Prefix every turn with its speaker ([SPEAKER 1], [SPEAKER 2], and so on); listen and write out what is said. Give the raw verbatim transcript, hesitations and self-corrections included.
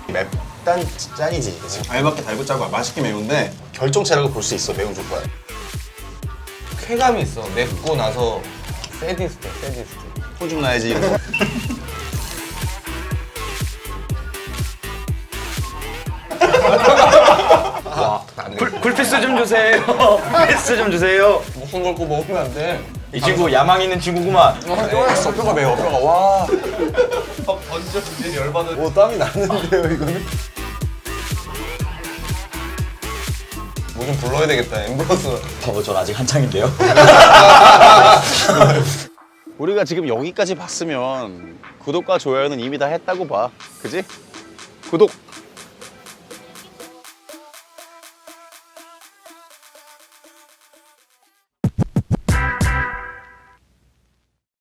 [SPEAKER 1] 맵단 짠이지, 그치?
[SPEAKER 2] 알밖에 달고 짜고 맛있게 매운데
[SPEAKER 1] 결정체라고 볼 수 있어, 매운 족발.
[SPEAKER 3] 쾌감이 있어. 맵고 나서 세디스트, 세디스트.
[SPEAKER 1] 호중 나야지. 이러고.
[SPEAKER 3] 와, 안 돼.
[SPEAKER 4] 쿨, 쿨피스 좀 주세요. 피스 좀 주세요.
[SPEAKER 3] 목숨 걸고 먹으면 안 돼.
[SPEAKER 4] 이 친구 야망 있는 친구구만.
[SPEAKER 1] 뼈가 있어, 뼈가 매워, 뼈가. 와.
[SPEAKER 3] 먼저 이제 열받은.
[SPEAKER 1] 오, 땀이 나는데요, 이거는?
[SPEAKER 3] 뭐 좀 불러야 되겠다, 엠브러스.
[SPEAKER 4] 바보 전 아직 한창인데요.
[SPEAKER 1] 우리가 지금 여기까지 봤으면 구독과 좋아요는 이미 다 했다고 봐. 그지? 구독!